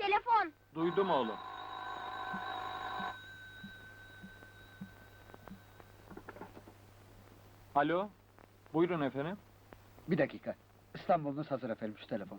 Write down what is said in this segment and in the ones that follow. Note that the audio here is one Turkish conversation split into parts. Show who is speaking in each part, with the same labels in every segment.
Speaker 1: telefon.
Speaker 2: Duydum oğlum. Alo, buyurun efendim.
Speaker 3: Bir dakika. İstanbul'unuz hazır efendim, şu telefon.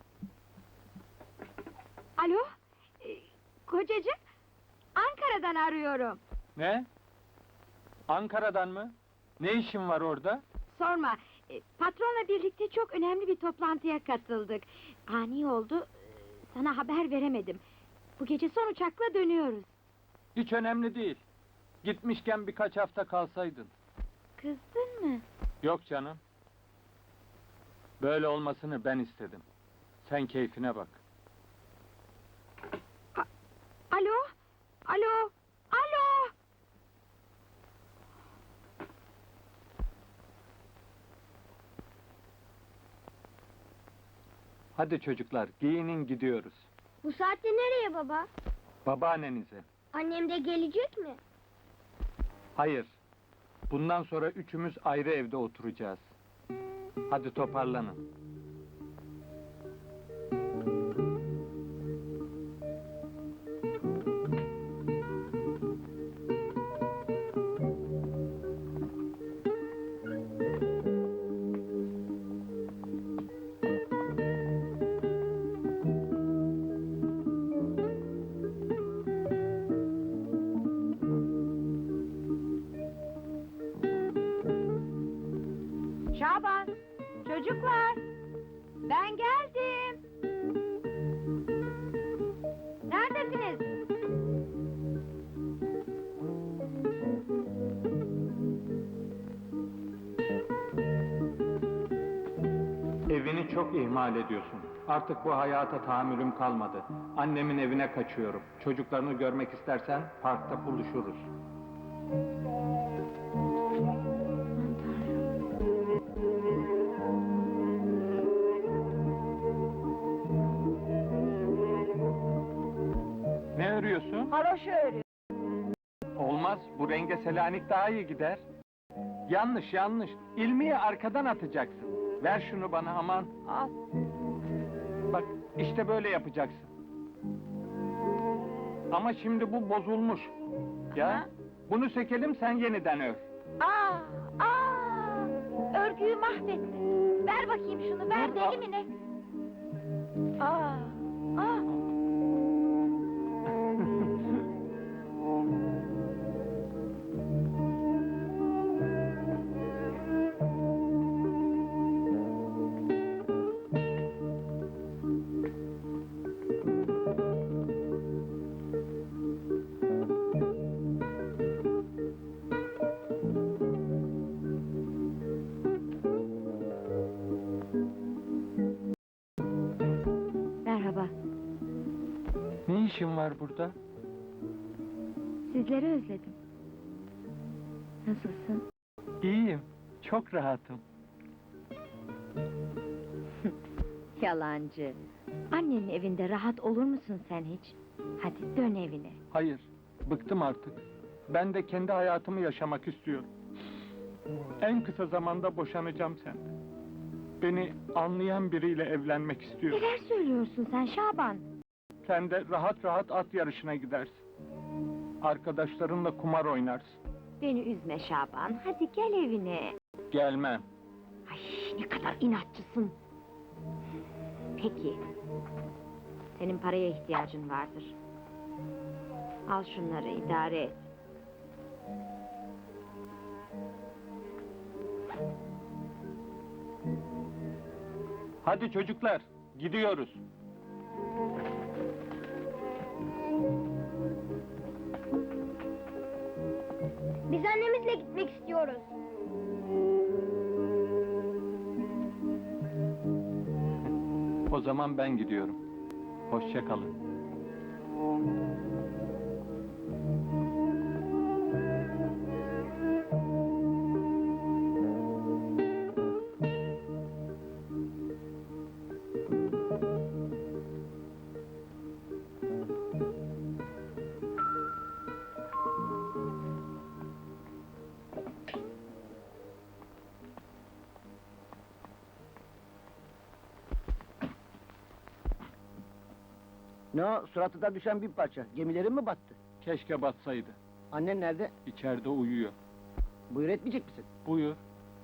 Speaker 1: Alo, kocacığım, Ankara'dan arıyorum.
Speaker 2: Ne? Ankara'dan mı? Ne işin var orada?
Speaker 1: Sorma, patronla birlikte çok önemli bir toplantıya katıldık. Ani oldu, sana haber veremedim. Bu gece son uçakla dönüyoruz.
Speaker 2: Hiç önemli değil. Gitmişken birkaç hafta kalsaydın.
Speaker 1: Kızdın mı?
Speaker 2: Yok canım. Böyle olmasını ben istedim. Sen keyfine bak.
Speaker 1: Alo, alo, alo!
Speaker 2: Hadi çocuklar, giyinin gidiyoruz.
Speaker 1: Bu saatte nereye baba?
Speaker 2: Babaannenize.
Speaker 1: Annem de gelecek mi?
Speaker 2: Hayır. Bundan sonra üçümüz ayrı evde oturacağız. Hadi toparlanın.
Speaker 1: Şaban, çocuklar, ben geldim. Neredesiniz?
Speaker 2: Evini çok ihmal ediyorsun. Artık bu hayata tahammülüm kalmadı. Annemin evine kaçıyorum. Çocuklarını görmek istersen parkta buluşuruz. Ne örüyorsun?
Speaker 1: Haroşa örüyorum.
Speaker 2: Olmaz, bu renge Selanik daha iyi gider. Yanlış, yanlış. İlmiyi arkadan atacaksın. Ver şunu bana aman.
Speaker 1: Al.
Speaker 2: Bak, işte böyle yapacaksın. Ama şimdi bu bozulmuş. Ya,
Speaker 1: Ha?
Speaker 2: bunu sökelim, sen yeniden ör.
Speaker 1: Örgüyü mahvettin. Ver bakayım şunu, ver
Speaker 2: Dur,
Speaker 1: deli mi ne? Aa, aa. Merhaba,
Speaker 2: Ne işin var burada?
Speaker 1: sizleri özledim. Nasılsın?
Speaker 2: İyiyim, çok rahatım.
Speaker 1: Yalancı. Annenin evinde rahat olur musun sen hiç? Hadi dön evine.
Speaker 2: Hayır, bıktım artık. Ben de kendi hayatımı yaşamak istiyorum. En kısa zamanda boşanacağım senden. Beni anlayan biriyle evlenmek istiyorum.
Speaker 1: Neler söylüyorsun sen Şaban?
Speaker 2: Sen de rahat rahat at yarışına gidersin. Arkadaşlarınla kumar oynarsın.
Speaker 1: Beni üzme Şaban, hadi gel evine.
Speaker 2: Gelmem.
Speaker 1: Ay ne kadar inatçısın. Peki. Senin paraya ihtiyacın vardır. Al şunları idare et.
Speaker 2: Hadi çocuklar, gidiyoruz.
Speaker 1: Biz annemizle gitmek istiyoruz.
Speaker 2: O zaman ben gidiyorum. Hoşça kalın.
Speaker 4: Ne o, suratına düşen bir parça? Gemilerin mi battı?
Speaker 2: Keşke batsaydı.
Speaker 4: Annen nerede?
Speaker 2: İçeride uyuyor.
Speaker 4: Buyur etmeyecek misin?
Speaker 2: Buyur.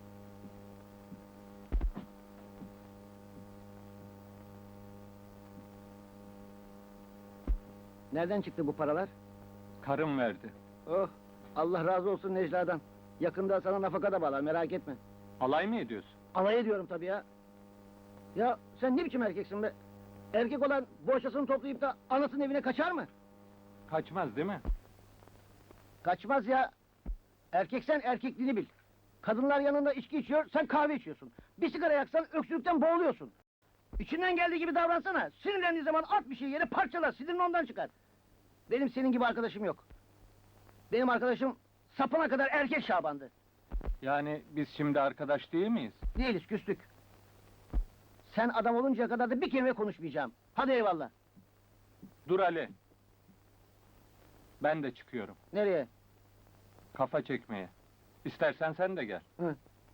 Speaker 4: Nereden çıktı bu paralar?
Speaker 2: Karım verdi.
Speaker 4: Oh, Allah razı olsun Necla'dan. Yakında sana nafaka da bağlar, merak etme.
Speaker 2: Alay mı ediyorsun?
Speaker 4: Alay ediyorum tabii ya. Ya sen ne biçim erkeksin be? Erkek olan boşasını toplayıp da anasının evine kaçar mı?
Speaker 2: Kaçmaz değil mi?
Speaker 4: Kaçmaz ya. Erkeksen erkekliğini bil. Kadınlar yanında içki içiyor, sen kahve içiyorsun. Bir sigara yaksan öksürükten boğuluyorsun. İçinden geldiği gibi davransana. Sinirlendiği zaman at bir şey yere parçalar, sinirin ondan çıkar. Benim senin gibi arkadaşım yok. Benim arkadaşım sapına kadar erkek Şaban'dı.
Speaker 2: Yani biz şimdi arkadaş değil miyiz?
Speaker 4: Değiliz, küstük. Sen adam oluncaya kadar da bir kelime konuşmayacağım. Hadi eyvallah.
Speaker 2: Dur Ali. Ben de çıkıyorum.
Speaker 4: Nereye?
Speaker 2: Kafa çekmeye. İstersen sen de gel.
Speaker 4: Hı.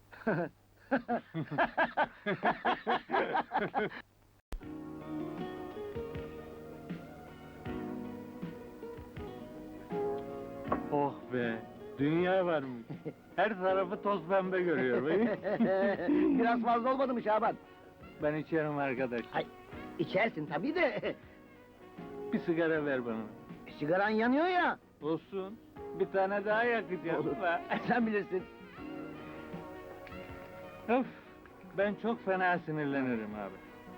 Speaker 2: Oh be! Dünya varmış. Her tarafı toz pembe görüyor.
Speaker 4: Biraz fazla olmadı mı Şaban?
Speaker 2: Ben içerim arkadaş.
Speaker 4: Ay, içersin tabii de.
Speaker 2: Bir sigara ver bana.
Speaker 4: Sigaran yanıyor ya.
Speaker 2: Olsun. Bir tane daha yakacağım.
Speaker 4: Olur. Sen bilirsin.
Speaker 2: Öf! Ben çok fena sinirlenirim abi.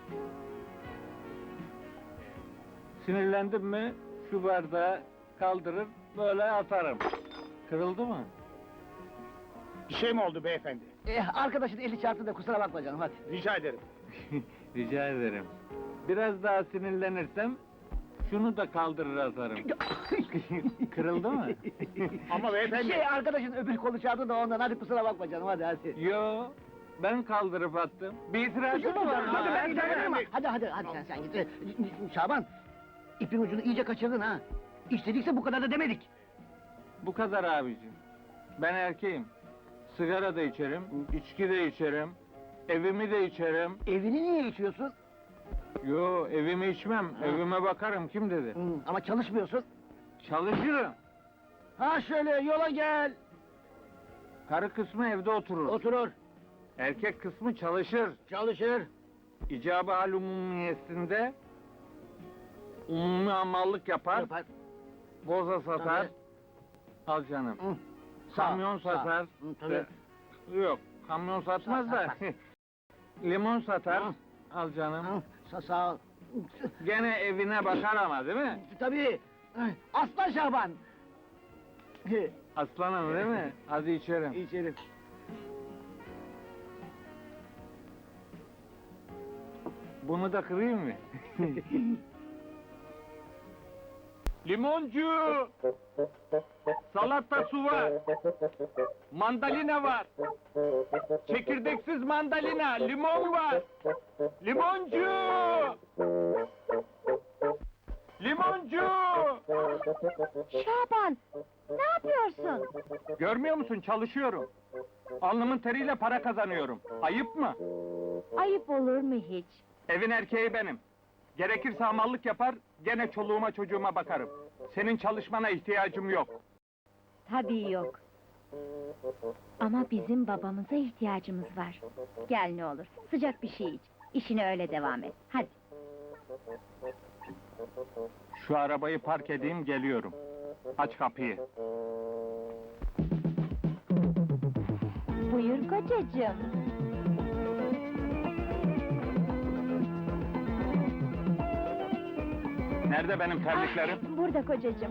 Speaker 2: Sinirlendim mi şu bardağı kaldırıp böyle atarım. Kırıldı mı?
Speaker 5: Bir şey mi oldu beyefendi?
Speaker 4: Arkadaşın eli çarptı da kusura bakma canım hadi.
Speaker 5: Rica ederim.
Speaker 2: Rica ederim. Biraz daha sinirlenirsem şunu da kaldırır atarım. Kırıldı mı?
Speaker 5: Ama beyefendi...
Speaker 4: Arkadaşın öbür kolu çarptı da ondan hadi kusura bakma canım hadi.
Speaker 2: Yo, ben kaldırıp attım. Bir itirazın mı var?
Speaker 4: Hadi ben
Speaker 5: giderim.
Speaker 4: giderim. Hadi sen git. Şaban, ipin ucunu iyice kaçırdın ha. İstedikse bu kadar da demedik.
Speaker 2: Bu kadar abicim. Ben erkeğim. Sigara da içerim, içki de içerim, evimi de içerim.
Speaker 4: Evini niye içiyorsun?
Speaker 2: Yo, evimi içmem, evime bakarım, kim dedi?
Speaker 4: Ama çalışmıyorsun.
Speaker 2: Çalışırım.
Speaker 4: Ha şöyle yola gel.
Speaker 2: Karı kısmı evde oturur.
Speaker 4: Oturur,
Speaker 2: Erkek kısmı çalışır.
Speaker 4: çalışır.
Speaker 2: İcabı hal umumiyesinde umumi hamallık yapar,
Speaker 4: Yapar.
Speaker 2: boza satar.
Speaker 4: Tabii.
Speaker 2: Al canım.
Speaker 4: Hı.
Speaker 2: Kamyon
Speaker 4: Sağ.
Speaker 2: satar.
Speaker 4: Hı, tabii.
Speaker 2: Yok, kamyon satmaz da.
Speaker 4: Satar.
Speaker 2: Limon satar.
Speaker 4: Hı.
Speaker 2: Al canım.
Speaker 4: Sağ ol.
Speaker 2: Gene evine bakar ama değil mi?
Speaker 4: Tabii. Aslan Şaban.
Speaker 2: Aslanım değil mi? Hadi içerim.
Speaker 4: İçerim.
Speaker 2: Bunu da kırayım mı? Limoncu! Salata su var. Mandalina var. Çekirdeksiz mandalina, limon var. Limoncu! Limoncu!
Speaker 1: Şaban, ne yapıyorsun?
Speaker 2: Görmüyor musun? Çalışıyorum. Alnımın teriyle para kazanıyorum. Ayıp mı?
Speaker 1: Ayıp olur mu hiç?
Speaker 2: Evin erkeği benim. Gerekirse hamallık yapar, gene çoluğuma çocuğuma bakarım. Senin çalışmana ihtiyacım yok.
Speaker 1: Tabii yok. Ama bizim babamıza ihtiyacımız var. Gel ne olur, sıcak bir şey iç. İşine öyle devam et, hadi.
Speaker 2: Şu arabayı park edeyim, geliyorum. Aç kapıyı.
Speaker 1: Buyur kocacığım.
Speaker 2: Nerede benim terliklerim?
Speaker 1: Ah, burada kocacığım.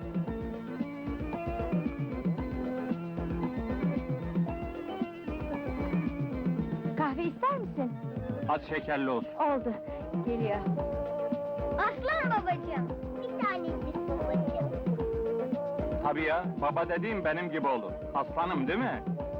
Speaker 1: Kahve ister misin?
Speaker 2: Az şekerli olsun.
Speaker 1: Oldu, geliyor.
Speaker 6: Aslan babacığım, bir tanecik babacığım.
Speaker 2: Tabii ya, baba dediğim benim gibi olur. Aslanım değil mi?